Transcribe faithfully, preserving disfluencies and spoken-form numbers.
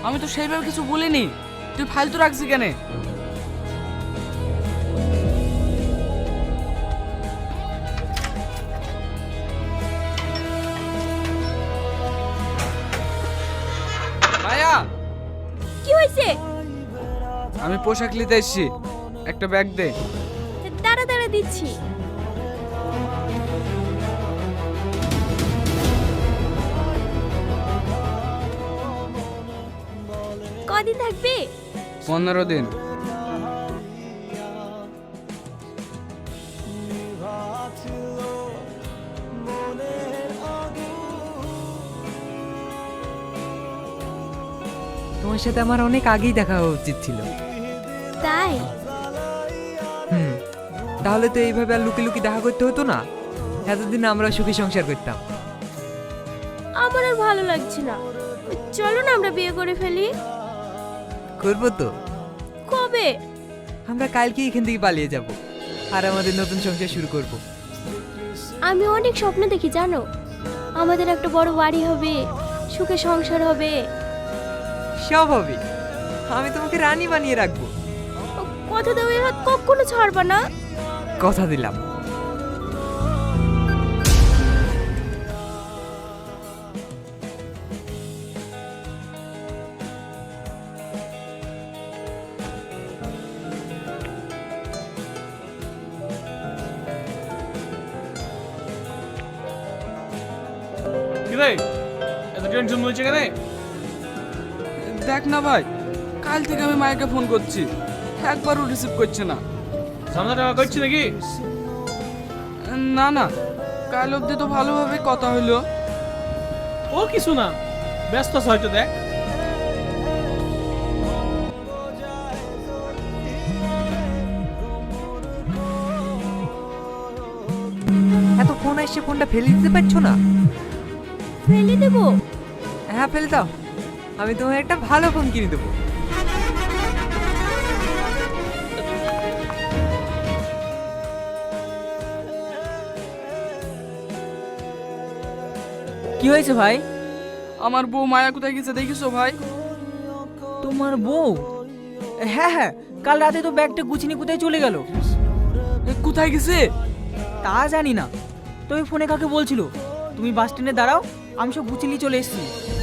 আমি তো সেইভাবে কিছু বলিনি, তুই ফালতু রাখছি কেন? মায়া, কি হয়েছে? আমি পোশাক নিতে এসেছি, একটা ব্যাগ দে। দাঁড়া দাঁড়া দিচ্ছি। কদিন থাকবে? পনেরো দিন। তোমার সাথে আমার অনেক আগেই দেখা হওয়া উচিত ছিল। তাই? হুম, তাহলে তো এইভাবে আর লুকি লুকি দেখা করতে হতো না, এতদিন আমরা সুখী সংসার করতাম। আমার আর ভালো লাগছে না, চলো না আমরা বিয়ে করে ফেলি। করবো তো। কবে? আমরা কালকে এখান থেকে পালিয়ে যাব আর আমাদের নতুন সংসার শুরু করব। আমি অনেক স্বপ্ন দেখি জানো, আমাদের একটা বড় বাড়ি হবে, সুখে সংসার হবে। সব হবে, আমি তোমাকে রানী বানিয়ে রাখবো। কথা দাও, এ হাত কখনো ছাড়বা না। কথা দিলাম। কি রে, এত টেনশন হয়েছে কেন? দেখ না ভাই, কাল থেকে আমি মায়াকে ফোন করছি, একবারও রিসিভ করছে না। সামনে টাকা করছি নাকি? না না, কাল অবধি তো ভালোভাবে কথা হইলো। ও কিছু না, ব্যস্ত আছে হয়তো। দেখ এত ফোন আসছে, ফোনটা ফেলে দিতে পারছো না? ফেলে দেবো? হ্যাঁ ফেলে দাও, আমি তোমার একটা ভালো ফোন কিনে দেবো। কি হয়েছে ভাই? আমার বউ মায়া কোথায় গেছে দেখিছো ভাই? তোমার বউ? হ্যাঁ হ্যাঁ, কাল রাতে তো ব্যাগটা গুছিয়ে কোথায় চলে গেল। এ, কোথায় গেছে? তা জানি না, তুমি ফোনে কাকে বলছিল? তুমি বাস স্ট্যান্ডে দাঁড়াও, আমি সব গুছিয়ে চলে এসেছি।